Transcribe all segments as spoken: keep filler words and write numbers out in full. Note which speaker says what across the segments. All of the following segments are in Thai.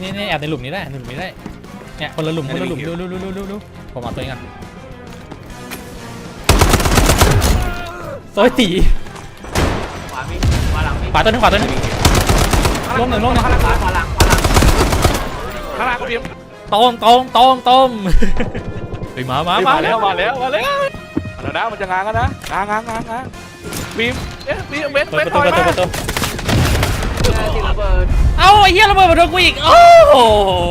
Speaker 1: นี่นี่แอบในหลุมนี้ได้ในหลุมนี้ได้เนี่ยคนละหลุมคนละหลุมดูดูดูดูดูดูผมเอาตัวนี้ก่อนโซยตี
Speaker 2: ขวามีขวาหลังมี
Speaker 1: ขวาตัวนึงขวาตัวนึงล้มหนึ่งล้มหนึ่ง
Speaker 2: ขวาหลังขวาหลังขวาหลัง
Speaker 3: ข้างล่างก็พิมพ์
Speaker 1: ต้มต้มต้มต้มไปมามามา
Speaker 3: มาแล้วมาแล้วมาแล้วเดี๋ยวนะมันจะง้างกันนะง้างง้างง้างง้างพิมพ์เอ๊ะพิมพ์เบส
Speaker 1: เปิ
Speaker 3: เบ
Speaker 1: ด
Speaker 3: ส
Speaker 1: ประ
Speaker 3: ถ
Speaker 1: ตู
Speaker 3: อย
Speaker 1: เปิดประตู
Speaker 3: มา
Speaker 1: เปิดประตู
Speaker 2: ที่ระเบิด
Speaker 1: เอ้าไอ้เหี้ยระเบิดมาโดนกูอีกโอ้โห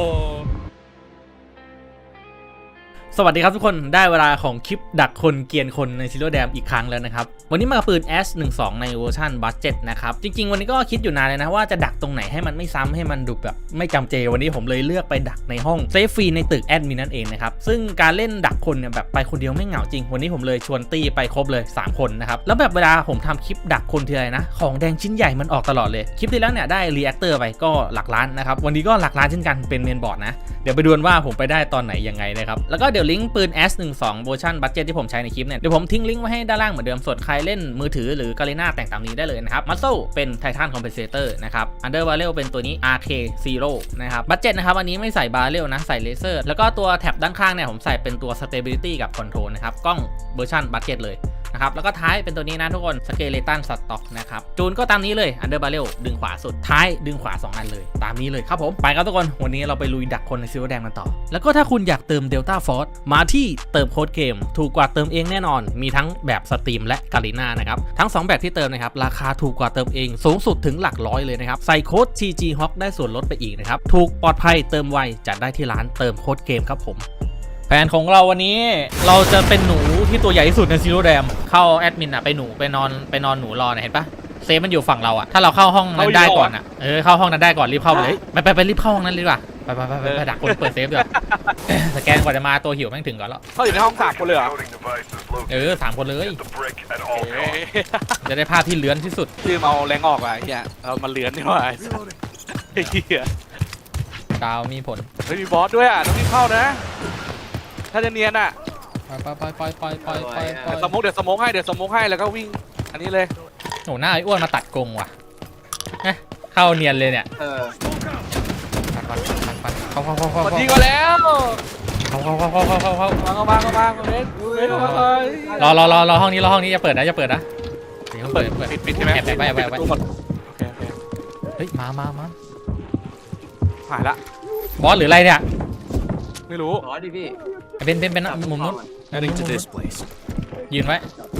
Speaker 1: สวัสดีครับทุกคนได้เวลาของคลิปดักคนเกียนคนในซิโร่แดมอีกครั้งแล้วนะครับวันนี้มากับปืน เอส หนึ่งสอง ในเวอร์ชันบัสเจ็ตนะครับจริงๆวันนี้ก็คิดอยู่นานเลยนะว่าจะดักตรงไหนให้มันไม่ซ้ำให้มันดูแบบไม่จำเจวันนี้ผมเลยเลือกไปดักในห้องเซฟฟรีในตึกแอดมินนั่นเองนะครับซึ่งการเล่นดักคนเนี่ยแบบไปคนเดียวไม่เหงาจริงวันนี้ผมเลยชวนตีไปครบเลยสามคนนะครับแล้วแบบเวลาผมทำคลิปดักคนทีไรนะของแดงชิ้นใหญ่มันออกตลอดเลยคลิปที่แล้วเนี่ยได้รีแอคเตอร์ไปก็หลักล้านนะครับวันนี้ก็หลักล้านเช่นกันเป็นเมนบอร์ดนะเดี๋ยวไปดูกันว่าผมไปได้ตอนไหนยังไงนะครับแล้วก็เดี๋ยวลิงก์ปืน เอส หนึ่งสอง เวอร์ชันบัดเจ็ตที่ผมใช้ในคลิปเนี่ยเดี๋ยวผมทิ้งลิงก์ไว้ให้ด้านล่างเหมือนเดิมส่วนใครเล่นมือถือหรือกาเลน่าแต่งตามนี้ได้เลยนะครับมัสโซเป็นไททันคอมเพนเซเตอร์นะครับอันเดอร์บาเรลเป็นตัวนี้ อาร์ เค ซีโร่ นะครับบัดเจ็ตนะครับอันนี้ไม่ใส่บาเรลนะใส่เลเซอร์แล้วก็ตัวแท็บด้านข้างเนี่ยผมใส่เป็นตัว Stability กับ Control นะครับกล้องเวอร์ชันบัดเจ็ตเลยนะครับแล้วก็ท้ายเป็นตัวนี้นะทุกคนสเกเลตันสต็อกนะครับจูนก็ตามนี้เลยอันเดอร์บาเรลดึงขวาสุดท้ายดึงขวาสองอันเลยตามนี้เลยครับผมไปครับทุกคนวันนี้เราไปลุยดักคนในซิลเวอร์แดงกันต่อแล้วก็ถ้าคุณอยากเติม Delta Force มาที่เติมโค้ดเกมถูกกว่าเติมเองแน่นอนมีทั้งแบบสตรีมและกาลิน่านะครับทั้งสองแบบที่เติมนะครับราคาถูกกว่าเติมเองสูงสุดถึงหลักร้อยเลยนะครับใส่โค้ด ที จี ฮอค ได้ส่วนลดไปอีกนะครับถูกปลอดภัยเติมไวจัดได้ที่ร้านเติมโค้ดเกมครับผมแผนของเราวันนี้เราจะเป็นหนูที่ตัวใหญ่ที่สุดในซิโร่แดมเข้าแอดมินอะไปหนูไปนอนไปนอนหนูรอนะเห็นปะเซฟมันอยู่ฝั่งเราอะถ้าเราเข้าห้องนั้นได้ก่อนอะเออเข้าห้องนั้นได้ก่อนรีบเข้าไปเลยไปไปไปรีบเข้าห้องนั้นเลยดีกว่าไปไปไปไปไปดักคนเปิดเซฟดีกว่าสแกนกว่าจะมาตัวหิวแม่งถึงก่อนแล้ว
Speaker 3: เขาอยู่ในห้องสามคนเลยเหรอ
Speaker 1: เออสามคนเลย
Speaker 3: เอ๊ะ
Speaker 1: จะได้ภาพที่เลื้อนที่สุด
Speaker 3: ลืมเอาแรงออกอ่ะไอ้เหี้ยเรามาเลือนดีกว่าไอ้สัสไอ้เหี้ย
Speaker 1: ดาวมีผล
Speaker 3: เฮ้ยมีบอสด้วยอ่ะต้องรีบเข้านะถ้าจะเนียนอ่ะ
Speaker 1: ไปไปไปไปไปไปไป
Speaker 3: เดี๋ยวสโมกเดี๋ยวสโมกให้เดี๋ยวสโมกให้แล้วก็วิ่งอันนี้เลย
Speaker 1: โหหน้าไอ้อ้วนมาตัดกรงว่ะเข้าเนียนเลยเนี่ย
Speaker 2: เออ
Speaker 1: ปัดปัดปัดปัดเข้าเข้าเข้าเข้า
Speaker 3: สวัส
Speaker 1: เข้า
Speaker 3: ดีก็แล้ว
Speaker 1: เข้าเข้าเข้าเข้าเข้าเข้า
Speaker 3: มาเข้ามาเข้ามาเล่นเล่นมาเลย
Speaker 1: รอรอรอรอห้องนี้รอห้องนี้อย่าเปิดนะอย่าเปิดนะเดี๋ยวเปิดเปิด
Speaker 3: ปิดปิดใช่ไหม
Speaker 1: แอบแอบไว้แอบไว้แอบไว้
Speaker 3: ปิดประตูหมดโอเคโอเค
Speaker 1: เฮ้ยมามามา
Speaker 3: หายละ
Speaker 1: บอสหรืออะไรเนี่ย
Speaker 3: ไม่รู้
Speaker 2: ขอดิพี่
Speaker 1: เป็นเป็นเป็นมุมนู้น
Speaker 4: Heading to this place.
Speaker 1: ยืนไว้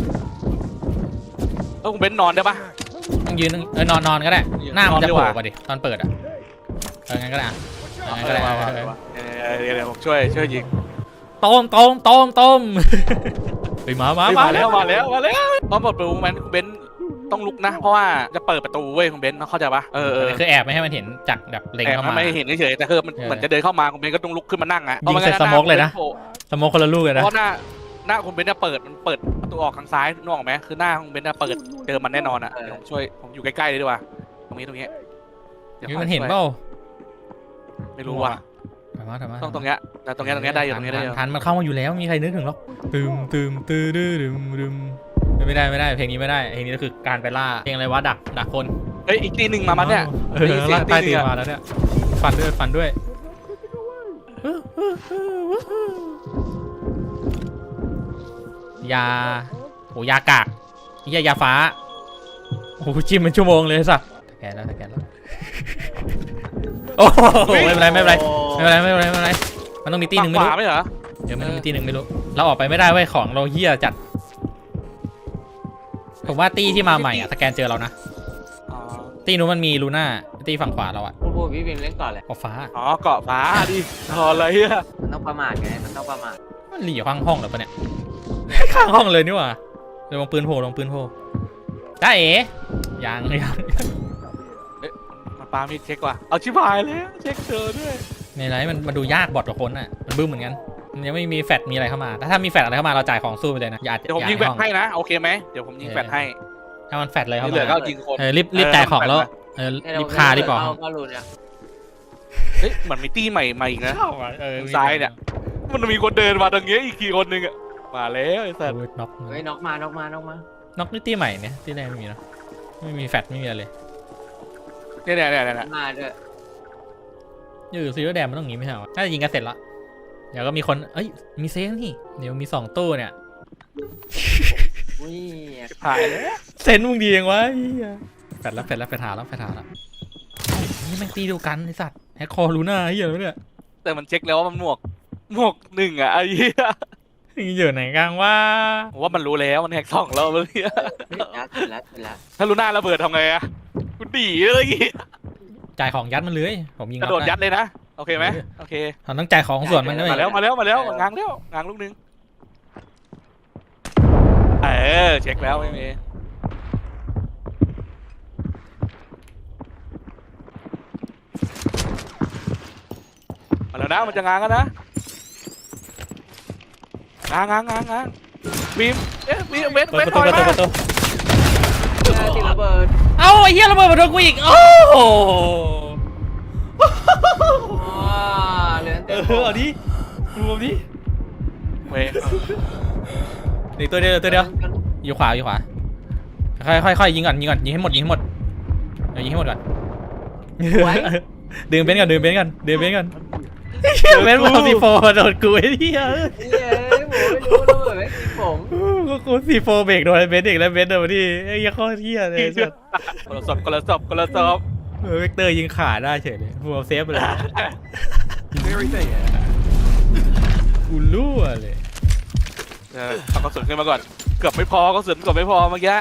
Speaker 3: เออคุณเบนนอนได้ปะ
Speaker 1: ต้องยืนเออนอนนอนก็ได้หน้ามันจะ
Speaker 3: นอนดี
Speaker 1: โผ
Speaker 3: ก
Speaker 1: ล่
Speaker 3: ว่า
Speaker 1: มาดิตอนเปิดอ่ะเอองั้นก็ได้อะเอองั้นก็ได้
Speaker 3: มา
Speaker 1: เอ
Speaker 3: มา
Speaker 1: อเออ
Speaker 3: มาเดี๋ยวเดี๋ยวผมช่วยช่วยยิง
Speaker 1: ต้มต้มต้มต้มไปมามา
Speaker 3: มา
Speaker 1: มา
Speaker 3: แล้วมาแล้วมาแล้วตอนเปิดประตูแมนคุณเบนต้องลุกนะ เพราะว่าจะเปิดประตูเว้ยคุณเบนเข้าใจปะเออเออ
Speaker 1: คือแอบไม่ให้มันเห็นจากแบบเล็ง
Speaker 3: แต่
Speaker 1: เข้ามา
Speaker 3: ไม่เห็นเฉยๆแต่คือมัน
Speaker 1: เออ
Speaker 3: เหมือนจะเดินเข้ามาคุณเบนก็ต้องลุกขึ้นมานั่งอ่ะ
Speaker 1: ยิงใส่สโมกเลยนะ สโมคคนละลูกเลยนะ
Speaker 3: เพราะหน้าหน้าคุณเบนจะเปิดมันเปิดประตูออกทางซ้ายนึกออกไหมคือหน้าคุณเบนจะเปิดเจอมันแน่นอนอ่ะเดี๋ยวผมช่วยผมอยู่ใกล้ๆเลยดีกว่าตรงนี้ตรงนี้ดี๋ยว
Speaker 1: นี่มันเห็นเปล่า
Speaker 3: ไม่รู้ว่ะ
Speaker 1: ถามมาถามมา
Speaker 3: ต้องตรงเนี้ยแต่ตรงเนี้ยตรงเนี้ยได้อยู่ตรงเนี้ยได้อยู่
Speaker 1: ทันมันเข้ามาอยู่แล้วมีใครนึกถึงหรอกตึมตึมตื้อดื้อดึมดึมไม่ได้ไม่ได้เพลงนี้ไม่ได้เพลงนี้ก็คือการไปล่าเพลงอะไรวะดักดักคน
Speaker 3: เฮ้ยอีกทีหนึ่งมามันเนี่ย
Speaker 1: เออล่าใต้ตีนมาแล้วเนี่ยฟันด้วยฟันด้วยยาโอ้ยากากยายาฟ้าโอ้จิ้มเป็นชั่วโมงเลยสัสแกนแล้วแกนแล้วโอ้ไม่เป็นไรไม่เป็นไรไม่เป็นไรไม่เป็นไรไม่เป็นไรมันต้องมีตีหนึ่งไม่รู้
Speaker 3: ขวาไม่เหรอ
Speaker 1: เดี๋ยวมันมีตีหนึ่งไม่รู้เราออกไปไม่ได้เว้ยของเราเฮี้ยจัดผมว่าตีที่มาใหม่อะสแกนเจอเรานะ
Speaker 3: อ๋อ
Speaker 1: ตีนู้นมันมีลูน่าตีฝั่งขวาเราอะ
Speaker 2: พูดพูดพี่พิมเล่นก่อนเลย
Speaker 1: ออกฟ้า
Speaker 3: อ๋อเกาะฟ้าดิรออะไรอ่ะ
Speaker 2: มันต้องประมาทไงมันต้องประมาท
Speaker 1: มันหลีข้างห้องเหรอปะเนี่ย ข้างห้องเลยนี่หว่าเดี๋ยวลงปืนโผล่ลงปืนโผล่ได้เอ๋ยังยัง
Speaker 3: มันปามีเช็คว่ะเอาชิบหายแล้วเช็คเจอด้วย
Speaker 1: ในไรมันมันดูยากบอดกับคนอะมันบึ้มเหมือนกันมันยังไม่มีแฟตมีอะไรเข้ามาแต่ถ้ามีแฟตอะไรเข้ามาเราจ่ายของสู้ไปเลยนะอย่า
Speaker 3: เดี๋ยวผม
Speaker 1: อา
Speaker 3: ยิงแฟลช
Speaker 1: ห้อ
Speaker 3: ให้นะโอเคไหมเดี๋ยวผมยิงแฟลชให้
Speaker 1: ถ้ามันแฟตอะไรเข้า
Speaker 3: ที่เหลือก็
Speaker 1: มา
Speaker 3: ยิงคน
Speaker 1: เออรีบรีบจ่ายของแล้วเออรีบคารีบบอก
Speaker 2: เข้าเข้ารูเนี่ย
Speaker 3: เฮ้ยเหมือนมีตี้ใหม่มาอีกนะ
Speaker 1: เออ
Speaker 3: ซ้ายเนี่ย มันมีคนเดินมาตรงเงี้ยอีกทีคนนึงอ่ะมาแล้วไอ้สัส
Speaker 1: โอ้ยน็อก
Speaker 2: เฮ้ยน็อกมาน็อกมาน็อกมา
Speaker 1: น็อกนี่ตีใหม่เนี่ยตีแรกไม่มีเนาะไม่มีแฟตไม่มีอะไรเลย
Speaker 3: เนี่ยเนี่ยเนี่ยเนี่ย
Speaker 2: มาด้วย
Speaker 1: อยู่ซีโร่แดมมันต้องอย่างงี้ไม่ใช่เหรอน่าจะยิงกันเสร็จละเดี๋ยวก็มีคนเอ้ยมีเซฟนี่เดี๋ยวมีสองตู้เนี่ย
Speaker 2: อุ้ย
Speaker 3: ถ่ายเลย
Speaker 1: เซนมึงดียังวะเหี้ยแฟดแล้วแฟดแล้วแฟดหาแล้วแฟดหาแล้วนี่แม่งตีเดียวกันไอสัตว์แฮกคอรูน่าเหี้ยแล้วเนี่ย
Speaker 3: แต่มันเช็คแล้วว่ามันหมวกหมวกหนึ่งอ่ะไอ้เหี้ย
Speaker 1: มึงอยู่ไหนกลางว่า
Speaker 3: ผมว่ามันรู้แล้วมันแฮกสองแล้วเลย
Speaker 2: เสร็จแล้วเสร็จแล้วเสร็จแล้ว
Speaker 3: ถ้ารู้หน้าระเบิดทำไงอะกูดีเลย
Speaker 1: จ่ายของยัดมันเลยผมยิง
Speaker 3: กระโดดยัดเลยนะโอเคไหมโอเค
Speaker 1: เราต้องจ่ายของส่วนมันด้วย
Speaker 3: มาแล้วมาแล้วมาแล้วง้างแล้วง้างลูกนึงเออเช็คแล้วไม่มีมาแล้วนะมันจะง้างกันนะง้างง้างง้างง้างบีมเอ๊ะบีมเบน
Speaker 1: เปิ
Speaker 3: เบ
Speaker 1: ด
Speaker 3: น
Speaker 1: ประ
Speaker 3: ถ
Speaker 1: ตู
Speaker 3: อย
Speaker 1: ประตู
Speaker 3: มา
Speaker 1: ประตู
Speaker 2: เออติดระเบิด
Speaker 1: เอ้าไอ้เหี้ยระเบิดมาโดนกูอีกโอ้โห
Speaker 2: ว้าเหลือ
Speaker 1: เอ
Speaker 2: เต็ม
Speaker 1: อเอาดิรวมดิ
Speaker 3: เว้ย
Speaker 1: อีกตัวเดียวตัวเดียวอยู่ขวาอยู่ขวาค่อยค่อยค่อยยิงก่อนยิงก่อนยิงให้หมดยิงให้หมดเออยิงให้หมดก่อนดึงเบนซ์ก่อนดึงเบนซ์ก่อนดึงเบนซ์ก่อนเบนซ์เอาซีโฟโดนกูไอ้เหี้ย
Speaker 2: เฮ้ยผมไม่รู้ระเบิดไม่กินผม
Speaker 1: ก็กูซีโฟเบรกโดนเบนซ์อีกแล้วเบนซ์โดนมาที่ไอ้เหี้ยโคตรเหี้ยเลยสัส
Speaker 3: คนละศพคนละศพคนละศพ
Speaker 1: เออเวกเตอร์ยิงขาได้เฉยเลยฟูลเซฟเลยกูรั่วเลย
Speaker 3: เออเอากระสุนขึ้นมาก่อนเกือบไม่พอกระสุนเกือบไม่พอเมื่อกี้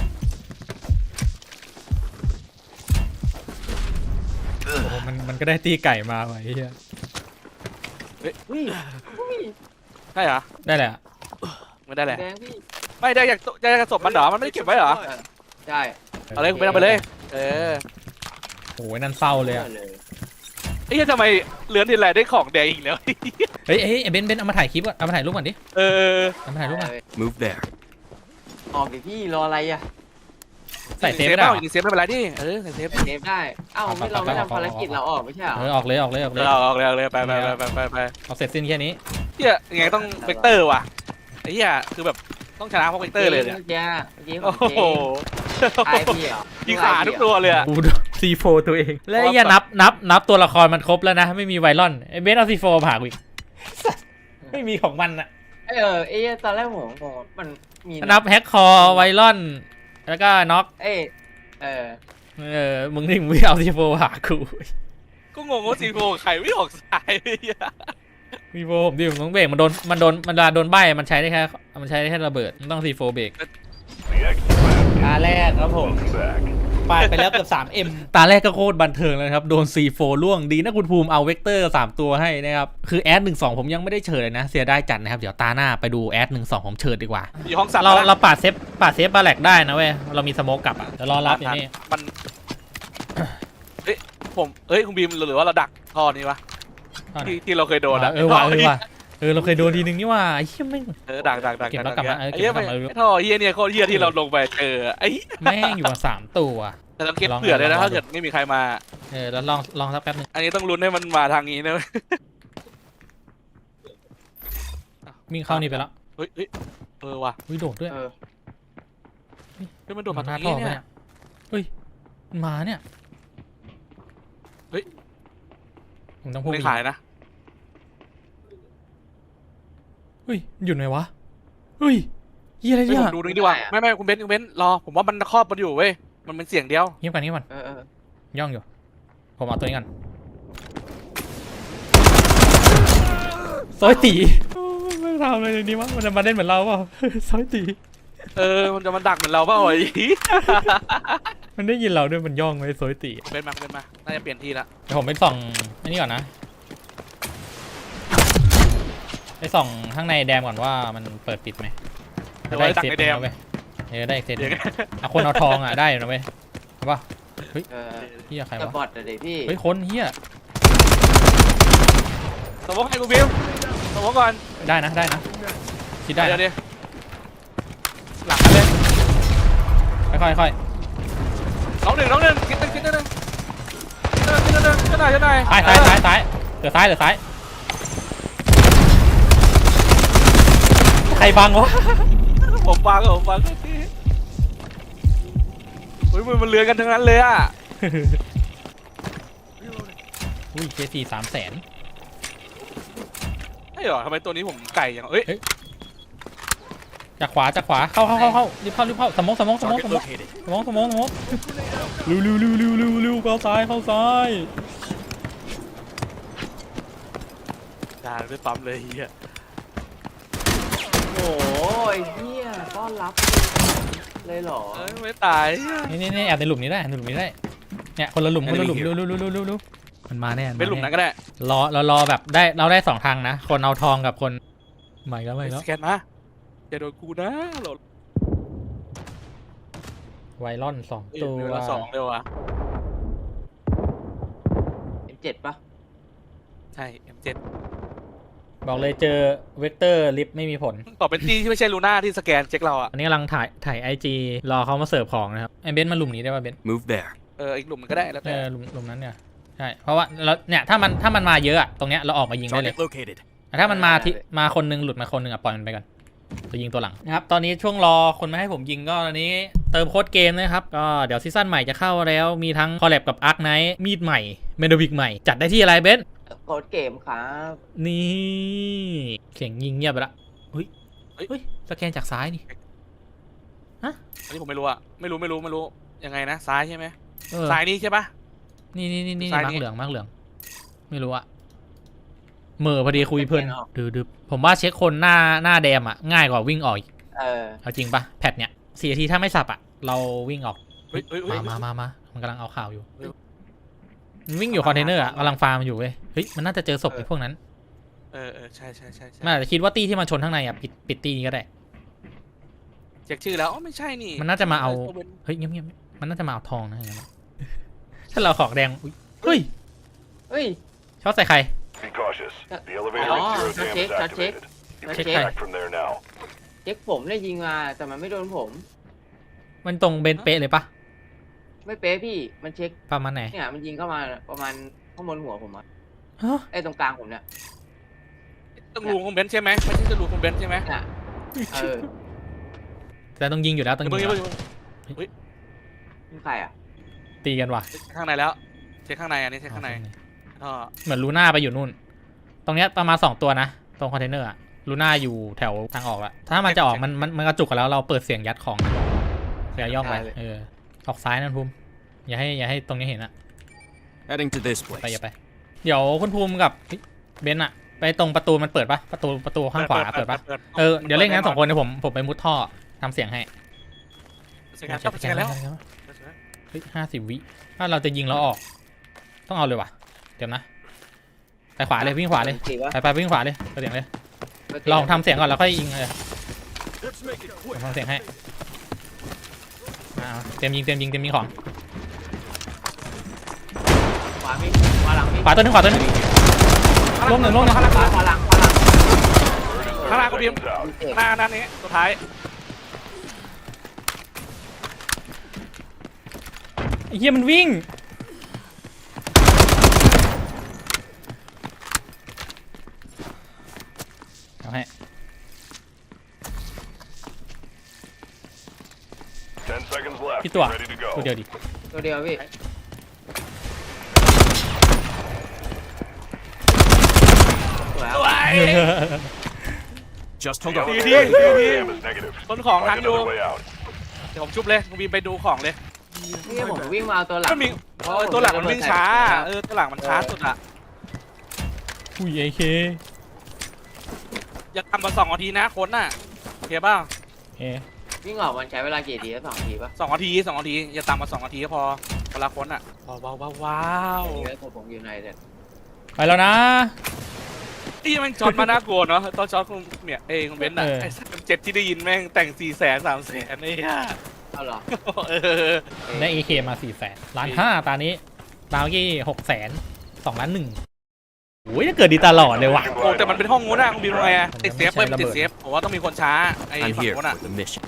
Speaker 1: โอ้โหมันมันก็ได้ตีไก่มาไว้เหี้ย
Speaker 2: อุ้ยอุ้ย
Speaker 3: ใช่เหรอ
Speaker 1: ได้แหละ
Speaker 3: ไม่ได้แหละ
Speaker 2: แดงพี่
Speaker 3: ไม่ได้อยากจะอยากศพมันเหรอมันไม่ได้เก็บไว้เหรอ
Speaker 2: ใช่
Speaker 3: เอาเลยคุณไปเอาไปเลยเออ
Speaker 1: โอ้ยนั่นเศร้าเลยอะ
Speaker 3: ไอ้เหี้ยทำไมเลือนทีไรได้ของแดงอีกแล้ว
Speaker 1: เฮ้ยเฮ้ยไอ้เบนซ์เบนซ์เอามาถ่ายคลิปก่อนเอามาถ่ายรูปก่อนดิ
Speaker 3: เออ
Speaker 1: เอามาถ่ายรูปก่อน
Speaker 4: Move there.
Speaker 2: ออกดิพี่รออะไรอ่ะ
Speaker 1: ใส่เซฟไม่ได้
Speaker 3: เป
Speaker 1: เหร
Speaker 3: ล่า
Speaker 1: อ
Speaker 3: ยิงเซฟไม่เป็นไรดิเออใส่เซฟ
Speaker 2: เซฟได้เอ้าไม่เราไม่ทำภารกิจเราออกไม่ใช่เหรอ
Speaker 1: เออออกเลยออกเลยออกเลย
Speaker 3: เอาออกเลยเอาเลยไปไปไปไปไปไป
Speaker 1: เอาเสร็จสิ้นแค่นี้
Speaker 3: เหี้ยยังไงต้องเวกเตอร์ว่ะไอ้เหี้ยคือแบบต้องชนะเพราะเวกเตอร์เลยเนี่ย
Speaker 2: เมื่อกี้เมื่อกี้ข
Speaker 3: โอ้
Speaker 2: อง
Speaker 3: โห
Speaker 2: เจ๊ตายพี่เหรอ
Speaker 3: ยิงขาทุกตัวเลยอะ
Speaker 1: กูซีโฟตัวเองแล้วไอ้เหี้ยนับนับนับตัวละครมันครบแล้วนะไม่มีไวรอนไอ้เบนซ์เอาซีโฟผ่ากูอีกไม่มีของมันอะ
Speaker 2: เออเอ้ตอนแรกผมงงมันมี
Speaker 1: นับแฮกคอไวรอนแล้วก็น็อก
Speaker 2: เอ้เออ
Speaker 1: เออมึงนี่มึงไม่เอาซีโฟผ่ากู
Speaker 3: ก็งงว่าซีโฟใครไม่ออกสายไอ้เหี้ย
Speaker 1: ซีโฟผมดิผมต้องเบรกมันโดนมันโดนมันเวลาโดนใบมันใช้ได้แค่มันใช้ได้แค่ระเบิดมันต้องซีโฟเบรก ตาแรกครับผมปาดไปแล้วเกือบ สามเอ็ม ตาแรกก็โคตรบันเทิงเลยครับ โดน ซี โฟ ล่วงดีนะคุณภูมิเอาเวกเตอร์สามตัวให้นะครับ คือแอดหนึ่งสองผมยังไม่ได้เชิญเลยนะ เสียได้จัดนะครับ เดี๋ยวตาหน้าไปดูแอดหนึ่งสองผมเชิญดีกว่า
Speaker 3: อยู่ห้องสัตว์
Speaker 1: เรา
Speaker 3: แล้วนะ
Speaker 1: เราปาดเซฟปาดเซฟบาแลกได้นะเว้ย เรามีสโมกกลับอ่ะเดี๋ยวรอรับอย่างนี้
Speaker 3: มันเฮ้ยผมเฮ้ยคุณบีมหรือว่าเราดักท่อนี้วะที่ที่เราเคยโดนอะ
Speaker 1: เออว่ะเออว่ะเออเราเคยโดนทีนึงนี่ว่าไอ้เหี้ยแม่ง
Speaker 3: เออดักดักดัก
Speaker 1: เก็บแล้วกลับมาเออ
Speaker 3: ไอ้
Speaker 1: เก็บ
Speaker 3: เหี้ย
Speaker 1: แล้วกลั
Speaker 3: ไม่
Speaker 1: บมา
Speaker 3: ท่อเหี้ยเนี่ยโคตรเหี้ยที่เราลงไปเจอไอ้
Speaker 1: แม่งอยู่มาสามตัว
Speaker 3: แต่เราเก็บเผื่อเลยนะถ้าเกิดไม่มีใครมา
Speaker 1: เออแล้วลองลองสักแป๊บนึง
Speaker 3: อันนี้ต้องลุ้นให้มันมาทางนี้นะ
Speaker 1: วิ่งเข้านี่ไปแล้ว
Speaker 3: เฮ้ยเฮ้ยเออว่ะ
Speaker 1: วิโดดด้วย
Speaker 2: เออ
Speaker 3: เฮ้ยมันโดดมา
Speaker 1: ห
Speaker 3: ทา
Speaker 1: น้าง
Speaker 3: นี้
Speaker 1: ท่อไป
Speaker 3: เนี่ย
Speaker 1: เนี่ยเฮ้ยมันมาเนี่ย
Speaker 3: เฮ้ย
Speaker 1: ผมต้องพูด
Speaker 3: ไม่ขายนะ
Speaker 1: เฮ้ยหยุดไหมวะเฮ้ยเฮียอะไร
Speaker 3: เฮ้ย
Speaker 1: เนี่ย
Speaker 3: ผมดูนี่ดีกว่าไม่ไม่คุณเบนซ์คุณเบนซ์รอผมว่ามันครอบมันอยู่เว้ยมันเป็นเสียงเดียว
Speaker 1: เงียบก่อนเงียบก่อน
Speaker 2: เออเออ
Speaker 1: ย่องอยู่ผมเอาตัวนี้ก่อนซอยตีไม่ทำอะไรเลยนี่วะมันจะมาเล่นเหมือนเราเปล่า ซอยตี
Speaker 3: เออมันจะมาดักเหมือนเราเปล่าไอ้
Speaker 1: มันได้ยินเราด้วยมันย่องไว้ซอยตี
Speaker 3: คุณเบนซ์มาคุณเบนซ์มาน่าจะเปลี่ยนที่ละ
Speaker 1: เดี๋ยวผมไปส่องอันนี้ก่อนนะไปส่องข้างในแดมก่อนว่ามันเปิดปิดไหม
Speaker 3: เดี๋ยวไว้ดักในแดม
Speaker 1: เว้ยเออได้อีกเซตห
Speaker 3: เดี๋
Speaker 1: นึ่
Speaker 3: ยว
Speaker 1: งอ่ะคนเอาทองอ่ะได้อยู่นะเว้ยเห็นปะ
Speaker 2: เออ
Speaker 1: เฮียใคร
Speaker 2: แต่
Speaker 1: วะ
Speaker 2: บอทอะเด็กพี่
Speaker 1: เฮ้ยคนเฮีย
Speaker 3: สมมติให้คุณบิวสมมติก่อน
Speaker 1: ได้นะได้นะคิดได้
Speaker 3: เดี๋ยว
Speaker 1: นะ
Speaker 3: เดี๋ยวหลังกันเลย
Speaker 1: ค่อยๆค่อย
Speaker 3: น้องหนึ่งน้องหนึ่งคิดหนึ่งคิดหนึ่งคิดหนึ่งคิดหนึ่งคิดหน่อยคิดหน่อย
Speaker 1: ๆซ้ายซ้ายซ้ายซ้ายเหลือซ้ายเหลือซ้ายใครบังวะ
Speaker 3: ผมฟังผมฟังที่เฮ้ยมันมันเลือนกันทั้งนั้นเลยอ่ะ
Speaker 1: โอุ้ยเคสี่สามแสน
Speaker 3: ใช่เหรอทำไมตัวนี้ผมไก่อย่างเอ้ย
Speaker 1: จากขวาจากขวาเข้าเข้าเข้าเข้ารีบเข้ารีบเข้าสมองสมองสมองสมองสมองสมองสมองเร็วเร็วเร็วเร็วเร็วเร็วเข้าซ้ายเข้าซ้าย
Speaker 3: ด่าด้วยปั๊มเลยเฮีย
Speaker 2: โอ้ยเฮียต้อนรับเลยเหรอ
Speaker 3: เอ้ยไม่ตาย
Speaker 1: นี่นี่นี่แอบในหลุมนี้ได้ในหลุมนี้ได้เนี่ยคนละหลุมคนละหลุมเร็วเร็วเร็วเร็วเร็วเร็วมันมาแน่
Speaker 3: เป็นหลุมนั้นก็ได้
Speaker 1: รอเรารอแบบได้เราได้สองทางนะคนเอาทองกับคนใหม่แล้วใหม่แล้ว
Speaker 3: สแกนมาอย่าโดนกูนะโหลด
Speaker 1: ไวรอนสอง
Speaker 3: เอ้ย
Speaker 1: ตัว
Speaker 3: เดือนละสองเร็วอ่ะ
Speaker 2: เอ็มเจ็ดปะ
Speaker 3: ใช่ เอ็ม เจ็ด
Speaker 1: บอกเลยเจอเวกเตอร์ลิฟต์ไม่มีผล
Speaker 3: ต่อเป็นที่ที่ไม่ใช่ลูน่าที่สแกนเช็คเราอ่ะ
Speaker 1: อันนี้กำลังถ่ายถ่ายไอจีรอเขามาเสิร์ฟของนะครับไอเบนซ์มาหลุมนี้ได้ป่ะเบนซ์
Speaker 4: Move there.
Speaker 3: เอออีกหลุมมันก็ได้แล้ว
Speaker 1: เอ
Speaker 3: แต่
Speaker 1: อหลุมหลุมนั้นเนี่ยใช่เพราะว่าเราเนี่ยถ้ามันถ้ามันมาเยอะอะตรงเนี้ยเราออกมายิงได้เลย
Speaker 4: Target located.
Speaker 1: แต่ถ้ามันมาที่มาคนนึงหลุดมาคนนึงอะปล่อยมันไปก่อนจะยิงตัวหลังนะครับตอนนี้ช่วงรอคนมาให้ผมยิงก็ตอนนี้เติมโค้ดเกมนะครับก็เดี๋ยวซีซั่นใหม่จะเข้าแล้วมีทั้งคอลแลบกับอาร์คไนท์มีดใหม่เมโดวิกใหม่จัดได้ที่อะไรเบนซ์
Speaker 2: โคดเกมครับ
Speaker 1: นี่เสียงยิงเงียบไปละเฮ้ยเฮ้ยสแกนจากซ้ายนี่
Speaker 3: อันนี้ผมไม่รู้อ่ะไม่รู้ไม่รู้ไม่รู้ยังไงนะซ้ายใช่ไหม
Speaker 1: เออ
Speaker 3: ซ้ายนี่ใช่ปะ
Speaker 1: นี่นี่นี่นี่
Speaker 3: ซ้าย
Speaker 1: มา
Speaker 3: นี่
Speaker 1: ร์กเหลืองมาร์กเหลืองไม่รู้อะเหม่อพอดีคุยเพลินดื้อๆผมว่าเช็คคนหน้าหน้าแดมอะง่ายกว่าวิ่งออกอีก
Speaker 2: เออ
Speaker 1: เอาจริงปะแพทเนี้ยสี่นาทีถ้าไม่สับอะเราวิ่งออก
Speaker 3: เฮ้ยเฮ้ยเฮ้ย
Speaker 1: มามามามามันกำลังเอาข่าวอยู่มันวิ่งอยู่คอนเทนเนอร์อะกำลังฟาร์มอยู่เว้ยเฮ้ยมันน่าจะเจอศพไอ้พวกนั้น
Speaker 3: เออเออใช่ใช่ใช่ใช่
Speaker 1: มันอาจจะคิดว่าตีที่มันชนข้างในอะปิดปิดตีนี้ก็ได้
Speaker 3: เช็คชื่อแล้วอ๋อไม่ใช่นี่
Speaker 1: มันน่าจะมาเอา เฮ้ยเงียบเงียบๆมันน่าจะมาเอาทองนะอย่างนั้นอะถ้าเราขอกแดงอุ๊ยเฮ้ย
Speaker 2: เฮ้ย
Speaker 1: ช็อตใส่ใคร
Speaker 5: Be cautious.
Speaker 2: Uh,
Speaker 5: The elevator
Speaker 2: oh,
Speaker 5: at zero
Speaker 2: check,
Speaker 5: dam is
Speaker 2: check,
Speaker 5: activated. You
Speaker 2: check.
Speaker 5: can
Speaker 1: Check.
Speaker 5: back from there now.
Speaker 2: เช็คผมได้ยิงมาแต่มันไม่โดนผม
Speaker 1: มันตรงเบนเป๊ะเลยปะ
Speaker 2: ไม่เป๊ะพี่มันเช็ค
Speaker 1: ประมาณไหน
Speaker 2: เนี่ยมันยิงเข้ามาประมาณข้างบนหัวผมอะ
Speaker 1: ฮะ
Speaker 2: ไอ้ตรงกลางผมเนี่ย
Speaker 3: ต้องรูของเบนซ์ใช่ไหมไม่ใช่จะรูของเบนซ์ใช่ไหม
Speaker 2: เนี่ยเออ
Speaker 1: แต่ต้องยิงอยู่แล้วต้อง
Speaker 3: เดี๋ยว
Speaker 1: ยิ
Speaker 3: เพิ่
Speaker 1: ง
Speaker 3: ง
Speaker 1: อยู่
Speaker 3: เพิ่ง
Speaker 1: แล้ว
Speaker 2: นี่ใครอ่ะ
Speaker 1: ตีกันว่ะ
Speaker 3: เช็คข้างในแล้วเช็คข้างในอันนี้เช็คข้างในท่อ
Speaker 1: เหมือนลูน่าไปอยู่นู่น ตรงเนี้ยประมาณสองตัวนะ ตรงคอนเทนเนอร์อะลูน่าอยู่แถวทางออกละถ้ามันจะออกมันมันมันกระจุกกันแล้วเราเปิดเสียงยัดของเสียย่องไปเออออกซ้ายนั่นภูมิอย่าให้อย่าให้ตรงนี้เห็นอะ
Speaker 4: Heading to this
Speaker 1: ไป
Speaker 4: place.
Speaker 5: Uh,
Speaker 1: อย่าไป เดี๋ยวคุณภูมิกับเฮ้ยเบนซ์อะไปตรงประตูมันเปิดปะประตูประตูข้างขวาเปิดปะเออเดี๋ยวเล่นงั้นสองคนเดี๋ยวผมผมไปมุดท่อทำเสียงให้
Speaker 3: สแกนแล้วสแกนแล้ว
Speaker 1: เฮ้ยห้าสิบวิถ้าเราจะยิงแล้วออก ต้องเอาเลยว่ะเดี๋ยวนะไปขวาเลยวิ่งขวาเลย
Speaker 2: สีวะ
Speaker 1: ไปไปวิ่งขวาเลยเสียงเลย ลองทำเสียงก่อนแล้วค่อยยิงเลย
Speaker 4: Let's make it
Speaker 1: ผม
Speaker 4: quick.
Speaker 1: ทำเสียงให้อ่าเตรียมยิงเตรียมยิงเตรียมยิงของ
Speaker 2: ขวามีขวาหลังมี
Speaker 1: ขวาตัวหนึงขวาตัวหนึงลงหนึ่งลงหนึ่ง
Speaker 2: ขวาขวาขวาหลังขวาหลัง
Speaker 3: ข้างหน้าก็บีม
Speaker 5: Seconds out.
Speaker 2: เจ็บ
Speaker 3: หน้าด้านนี้สุดท้าย
Speaker 1: ไอ้เหี้ยมันวิ่งเอาให้
Speaker 5: Ten seconds left.
Speaker 1: พี่ตัว
Speaker 5: Ready to
Speaker 1: ตัว
Speaker 5: go.
Speaker 1: เดียวดิ
Speaker 2: ตัวเดียวพี่ สวยครับ
Speaker 4: Just
Speaker 5: The
Speaker 4: hold on.
Speaker 5: elevator at zero dam is negative.
Speaker 3: ต้นของทัน
Speaker 5: Find
Speaker 3: อยู่
Speaker 5: another way out.
Speaker 3: เดี๋ยวผมชุบเลยคุณบีมไปดูของเลย
Speaker 2: นี่ผมวิ่งมาเอาตัวหลัง
Speaker 3: ก็มีเออตัวหลังมันวิ่งช้าเออตัวหลังมันช้าสุดอะ
Speaker 1: อุ้ยไอเค
Speaker 3: อย่าทำมาสองนาทีนะคนน่ะโอเคป่ะ
Speaker 1: เอ๊ะ
Speaker 2: วิ่งออกมันใช้เวลากี่ทีสองทีป่ะ
Speaker 3: สองนาทีสองนาทีอย่าตามมาสองนาทีก็พอเวลาคนอ่ะว้าวว้าวว้าวว้าว
Speaker 2: เยอะผมผมอยู่ในเด็ด
Speaker 1: ไปแล้วนะ
Speaker 3: นี่แม่งช็อตมาน่ากลัวเนาะตอนช็อตคุณเนี่ยเองคุณเบนซ์อ่ะ
Speaker 1: เออ
Speaker 3: ไอ้สัตว์เจ็ดที่ได้ยินแม่งแต่งสี่แสนสามแสนไอ้ห่า
Speaker 2: เอาเหรอ
Speaker 3: เออ
Speaker 1: ได้เอเคมาสี่แสนล้านห้าตานี้ตาเมื่อกี้หกแสนสองล้านหนึ่งโอ้ยจะเกิดดีตลอดเลยว่ะ
Speaker 3: โอ้แต่มันเป็นห้องงูน่ะคุณบีมทำไงอะ
Speaker 1: มัน
Speaker 3: ติดเซฟ
Speaker 1: ไม่
Speaker 3: เว้ย
Speaker 1: ใช่
Speaker 3: มันติด
Speaker 1: ระเบิด
Speaker 3: เซฟผมว่าต้องมีคนช้าไอ้
Speaker 4: I'm
Speaker 3: ฝั่ง
Speaker 4: here
Speaker 3: นู้นอ่ะ
Speaker 4: for the mission.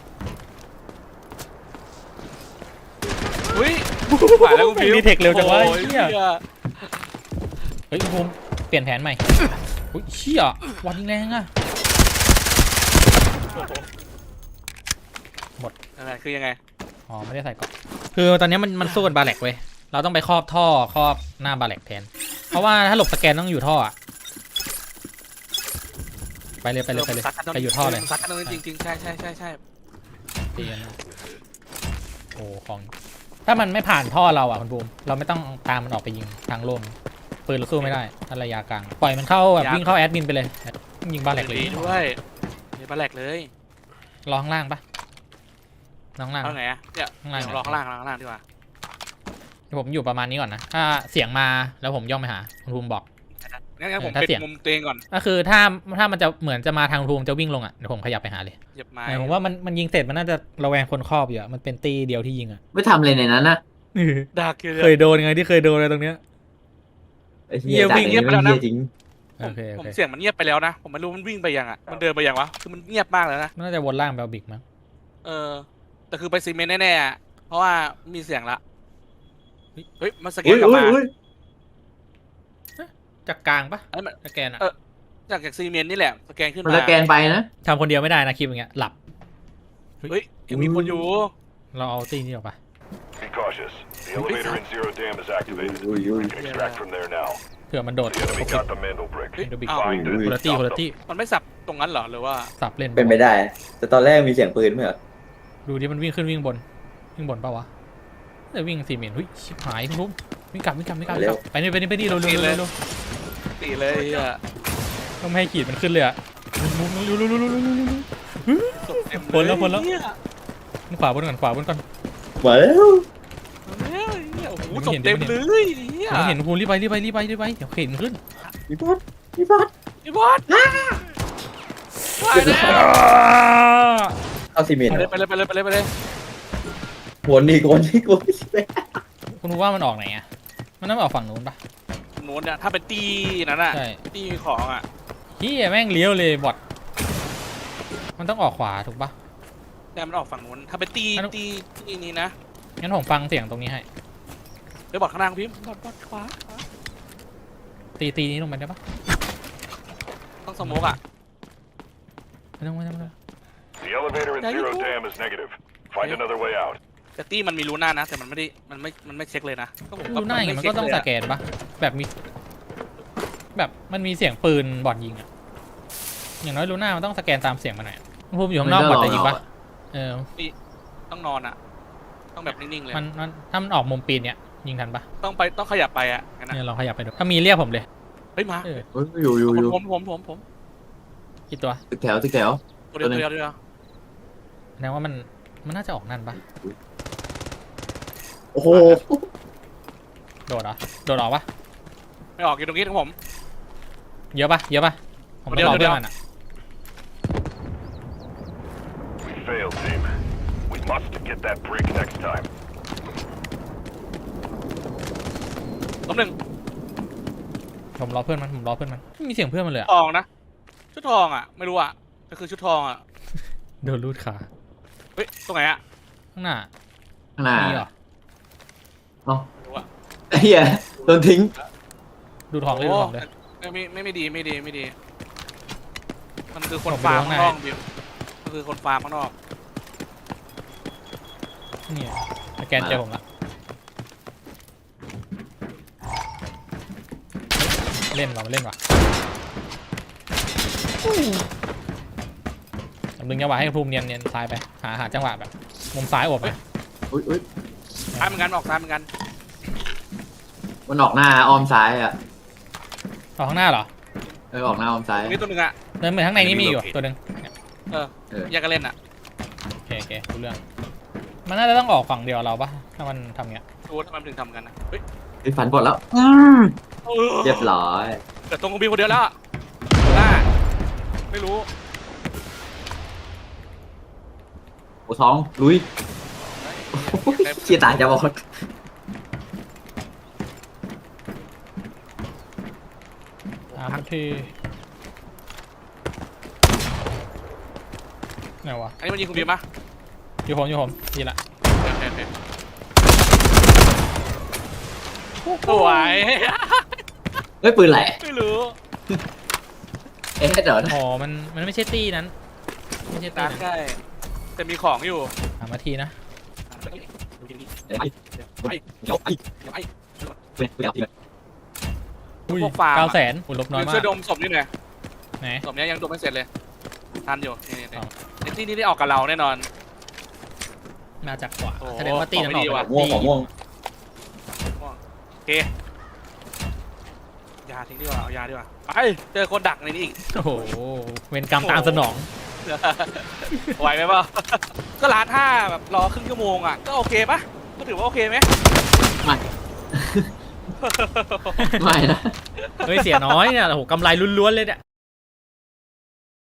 Speaker 3: อุ้ยผ่านแล้วคุณบีม
Speaker 1: มีเทคเร็วจังวะ
Speaker 3: โอ้ย
Speaker 1: เหี้ย
Speaker 3: เหี้ย
Speaker 1: เฮ้ยคุณภูมิเปลี่ยนแผนใหม่อุ้ยเชี่ยวันยิงแรงอะ
Speaker 3: อะไรคือยังไง
Speaker 1: อ๋อไม่ได้ใส่ก่อนคือตอนนี้มันมันสู้กับบาแลกเว้ยเราต้องไปครอบท่อครอบหน้าบาแลกแทนเพราะว่าถ้าหลบสแกนต้องอยู่ท่ออะไปเลยไปเลยไปเลย
Speaker 3: ซัดกันตรง
Speaker 1: ไปอยู่ท่อเลย
Speaker 3: ซัดกันตรงนี้จริงๆใช่ใช่ใช่ใช่
Speaker 1: ตีกันนะโอ้ของถ้ามันไม่ผ่านท่อเราอ่ะคุณบูมเราไม่ต้องตามมันออกไปยิงทางโล่งปืนเราสู้ไม่ได้ถ้าระยะกลางปล่อยมันเข้าแบบวิ่งเข้าแอดมินไปเลยยิงบ้าแหลกเลย
Speaker 3: ดีด้วยมีปลาแหลกเลย
Speaker 1: รอข้างล่างปะรอข้างล่าง
Speaker 3: เอาไงอะเนี่ย
Speaker 1: ข้างล่าง
Speaker 3: เดี๋ยวรอข้างล่างข้างล่างดีกว่า
Speaker 1: ผมอยู่ประมาณนี้ก่อนนะถ้าเสียงมาแล้วผมย่องไปหาคุณภูมิบอก
Speaker 3: งั้นงั้นผม
Speaker 1: ถ้า
Speaker 3: ปิด
Speaker 1: เสียง
Speaker 3: มุมตัวเองก่อน
Speaker 1: ก็คือถ้าถ้ามันจะเหมือนจะมาทางภูมิจะวิ่งลงอ่ะเดี๋ยวผมขยับไปหาเลย
Speaker 3: เหยียบไม้
Speaker 1: แต่ผมว่ามันมันยิงเสร็จมันน่าจะระแวงคนครอบอยู่อะมันเป็นตีเดียวที่ยิงอ่ะ
Speaker 2: ไม่ทำเลยในนั้นนะ
Speaker 3: ดักอยู่
Speaker 1: เคยโดนไงที่เคยโดนอะไรตรงเนี้ย
Speaker 2: ไอ้
Speaker 1: เหี้ยวิ่ง
Speaker 2: เงียบไปแล้วนะจริง
Speaker 3: ผ
Speaker 1: โอ
Speaker 3: ม
Speaker 1: เคโอ
Speaker 3: ผม
Speaker 1: เค
Speaker 3: เสียงมันเงียบไปแล้วนะผมไม่รู้มันวิ่งไปยังอ่ะมันเดินไปยังวะคือมันเงียบมากเลยนะ
Speaker 1: น่าจะวนล่างแบลบิกมั้ง
Speaker 3: เออแต่คือไปซีเมนต์แน่ๆอะเพราะว่ามีเสียงละเฮ้ยมันสแก
Speaker 2: อุ้
Speaker 3: น
Speaker 2: ย
Speaker 3: กลับ
Speaker 2: อุ้ย
Speaker 3: มา
Speaker 2: อุ้ย
Speaker 1: จากกลางปะ
Speaker 3: ไอ้มัน
Speaker 1: สแกนอะ
Speaker 3: เออ จากจากซีเมนต์นี่แหละสแกนขึ้น
Speaker 2: มัน
Speaker 3: มา
Speaker 2: สแกนไปนะ
Speaker 1: ทำคนเดียวไม่ได้นะคลิปอย่างเงี้ยหลับ
Speaker 3: เฮ้ยยังมีคนอยู่
Speaker 1: เราเอาตีนี้ออกไป
Speaker 5: Be cautious. The elevator in Zero Dam is activated.
Speaker 2: อุ้ยอุ้ย
Speaker 5: You can extract from there now.
Speaker 1: เผื่อมันโดด
Speaker 5: The enemy got the Mandel brick.
Speaker 3: เฮ้ย
Speaker 1: เดี๋ยวบิ๊ก
Speaker 3: อ้าว
Speaker 5: Find
Speaker 1: คนละ
Speaker 5: it.
Speaker 1: ตี้
Speaker 5: Stop
Speaker 1: คนละ
Speaker 5: them.
Speaker 1: ตี้
Speaker 3: มันไม่สับตรงนั้นเหรอหรือว่า
Speaker 1: สับเล่น
Speaker 2: เป็นไปได้ แต่ตอนแรกมีเสียงปืนไหมเหรอ
Speaker 1: ดูดิมันวิ่งขึ้นวิ่งบนวิ่งบนปะวะแต่วิ่งสี่เมตรหุ้ยชิบหายคุณลุงวิ่งกลับวิ่งกลับวิ่งกลับวิ่งกลับไปนี่ไปนี่ไปนี่เร็วเร็วเร็วเร็ว
Speaker 3: ตีเลยอ่ะ
Speaker 1: ต้องไม่ให้ขีดมันขึ้นเลยอะเร็วเร็วเร็วเร็วเร็วเร็วเร็วเร็ว
Speaker 3: ศพเต็มเลย
Speaker 1: พ้นแล้วพ้นแล้ว
Speaker 3: เหี้ย
Speaker 1: ขวาบนก่อนขวาบนก่อน
Speaker 2: มาแล้ว
Speaker 3: โอ้โห
Speaker 1: ยังไม่
Speaker 3: ศพ
Speaker 1: เห็น
Speaker 3: เต็ม
Speaker 1: ยังไม่
Speaker 3: เล
Speaker 1: เห็น
Speaker 3: ยเหี้ย
Speaker 1: ผมเห็นภูมิรีบไปรีบไปรีบไปรีบไปเดี๋ยวเข็นขึ้น
Speaker 2: พี่บอสพี่บอส
Speaker 3: พี่บอสไปแล้ว
Speaker 2: เข้าซีเมนต์
Speaker 3: ไปเลยไปเลยไปเลยไปเลยไปเลย
Speaker 2: วนอีกวนอีกวนอีก
Speaker 1: คุณรู้ว่ามันออกไหนอะมันน่าจะออกฝั่งนู้นปะ
Speaker 3: โน้นเนี่ยถ้าเป็นตีนั้นอ่ะ
Speaker 1: ใช่
Speaker 3: ตีของอ่ะ
Speaker 1: เฮียแม่งเลี้ยวเลยบอทมันต้องออกขวาถูกปะ
Speaker 3: แต่มันออกฝั่งนู้นถ้าเป็นตี
Speaker 1: อันนู้น
Speaker 3: ตีตีนี้นะ
Speaker 1: งั้นผมฟังเสียงตรงนี้ให้
Speaker 3: เดี๋ยวบอดข้างล่างพิมพ์บอดบอดขวาขวา
Speaker 1: ตีตีนี้ลงไปได้ปะ
Speaker 3: ต้องสโมกอ่ะ
Speaker 1: ไม่ต้องไม่ต้องไม่ต้อง
Speaker 5: The elevator in
Speaker 3: There you
Speaker 5: Zero
Speaker 3: go.
Speaker 5: Dam is negative. Find another way out.
Speaker 3: แต่ตีมันมีรูหน้านะ แต่มันไม่ได้มันไม่มันไม่เช็คเลยนะก็ผม
Speaker 1: ดูหน้าอย่าง
Speaker 3: ไ
Speaker 1: มันก็ต้อง
Speaker 3: เช็
Speaker 1: ส
Speaker 3: คเลยะ
Speaker 1: แกนปะแบบมี แบบมันมีเสียงปืนบอทยิงอะอย่างน้อยรูหน้ามันต้องสแกนตามเสียงมาหน่อยอะภูมิอยู่ข้างนอกบอทจะยิงปะเออ
Speaker 3: ต้องนอนอ่ะ ต้องแบบนิ่งๆเลย
Speaker 1: มันมันถ้ามันออกมุมปีนเนี้ยยิงทันปะ
Speaker 3: ต้องไปต้องขยับไปอ่ะงั้นนะ
Speaker 1: เนี่ยลองขยับไปดูถ้ามีเรียกผมเลย
Speaker 3: เฮ้ยมา
Speaker 1: เออ
Speaker 2: เฮ้ยอยู่อยู่อยู่
Speaker 3: ผมผมผมผม
Speaker 1: กี่ตัว
Speaker 2: ตึกแถวตึกแถว
Speaker 3: ตัวเดียวตัวเดียวตัวเดียว
Speaker 1: แสดงว่ามันมันน่าจะออกนั่นปะ
Speaker 2: โอ้โห
Speaker 1: โดดเหรอโดดออกปะ
Speaker 3: ไม่ออกอยู่ตรงนี้ของผม
Speaker 1: เยอะปะเยอะปะผมต้องรอ
Speaker 3: เดี๋
Speaker 1: เพื่
Speaker 3: ย
Speaker 1: อ
Speaker 3: ว
Speaker 1: นมันอะ
Speaker 5: We failed, team. We must get that brick next time.
Speaker 3: ล้มหนึ่ง
Speaker 1: ผมรอเพื่อนมันผมรอเพื่อนมันไม่มีเสียงเพื่อนมันเลยอะ
Speaker 3: ทองนะชุดทองอ่ะไม่รู้อ่ะก็คือชุดทองอ่ะ
Speaker 1: โดนรูดขา
Speaker 3: เฮ้ยตรงไหนอ่ะ
Speaker 1: ข้างหน้า
Speaker 2: ข้างหน้า
Speaker 1: มีเหรอ
Speaker 2: เนาะ
Speaker 3: ไม่รู้อ่ะ
Speaker 2: ไอ้เหี้ยโดนทิ้ง
Speaker 1: ดูทองเลยดูทองเลย
Speaker 3: ไม่ไม่ไม่ไม่ดีไม่ดีไม่ดี มันคือคน
Speaker 1: ผมไป
Speaker 3: ฟาร์ม
Speaker 1: ดู
Speaker 3: ข้า
Speaker 1: ข้าง งใน
Speaker 3: นอกบิวมันคือคนฟาร์มข้างนอก
Speaker 1: เนี่ยสแกนเจอผมละเล่นว่ะมันเล่นว่ะผมดึงจังหวะให้ภูมิเนียนเนียนซ้ายไปหาหาจังหวะแบบมุมซ้ายโอบไป
Speaker 2: อุ้ยอุ้ย
Speaker 3: ซ้ายเหมือนกันออกซ้ายเหมือนกัน
Speaker 2: มันออกหน้าอ้อมซ้ายอ่ะ
Speaker 1: ออกข้างหน้าเหรอ
Speaker 2: เออออกหน้าอ้อมซ้าย
Speaker 3: ตรงนี้ตัวหนึ่งอ่ะ
Speaker 1: เดินเหมือนข้างในนี่มีอยู่ตัวหนึ่ง
Speaker 3: เออ
Speaker 2: เออ
Speaker 3: แยกกันเล่นอ่ะ
Speaker 1: โอเคโอเครู้เรื่องมันน่าจะต้องออกฝั่งเดียวเราปะถ้ามันทำเงี้ย
Speaker 3: ดูว่าทำไมมันถึงทำกันนะเฮ้ย
Speaker 2: ไอ้ฝันปลดแล้วอืมเรียบร้อย
Speaker 3: แต่ตรงของบิวคนเดียวแล้วอะหน้าไม่รู้
Speaker 2: โอ้ท้องลุยเชียตายจะบอก
Speaker 1: ตามทีไหนวะ
Speaker 3: อันนี้มันยิงคุณบิวมะ
Speaker 1: อยู่ผมอยู่ผมดีละ
Speaker 3: โอเคโอเคสวย
Speaker 2: เฮ้ยปืนไหล
Speaker 3: ไม่รู้
Speaker 2: เอ๊ะเดี๋ยวนะ
Speaker 1: อ๋อมันมันไม่ใช่ตีนั้นไม่ใช่ตี
Speaker 3: ตาม
Speaker 1: นั้น
Speaker 3: ใช่แต่มีของอยู่
Speaker 1: สามนาทีนะ
Speaker 2: เดี๋ยวไอ้เดี๋ยวไอ้เดี๋ยวไอ้
Speaker 3: เดี๋ยวไอ้
Speaker 2: เดี๋ยวไอ้
Speaker 1: อุ้ย
Speaker 3: พวกฟาร์ม
Speaker 1: เก้า
Speaker 3: อะ
Speaker 1: แสนอุ้ยลบน้อยมา
Speaker 3: ช่ว
Speaker 1: ก
Speaker 3: ยดมศพนี่หน่อย
Speaker 1: ไหน
Speaker 3: ศพเนี้ยยังดมไม่เสร็จเลยทันอยู่นี่นี่
Speaker 1: อ๋อ
Speaker 3: ไอ้ที่นี่ได้ออกกับเราแน่นอน
Speaker 1: มาจากขวา
Speaker 3: โอ้
Speaker 1: แสดงว่าตี
Speaker 3: ของ
Speaker 1: นั่น
Speaker 3: ไม่
Speaker 1: ออก
Speaker 3: ดีว่ะ
Speaker 1: ไป
Speaker 2: ม่วงของม่วง
Speaker 3: โอเคยาทิ้งดีกว่าเอายาดีกว่าไปเจอคนดักในนี้อีก
Speaker 1: โอ้โหเวรกรรมตามสนอง
Speaker 3: ไหวไหมเปล่า ก็ร้านห้าแบบรอครึ่งชั่วโมงอ่ะก็โอเคปะก็ถือว่าโอเคไหม
Speaker 2: ไม่ ไม่นะ
Speaker 1: เฮ้ยเสียน้อยเนี่ยโอ้โหกำไรล้วนๆเลยเนี่ย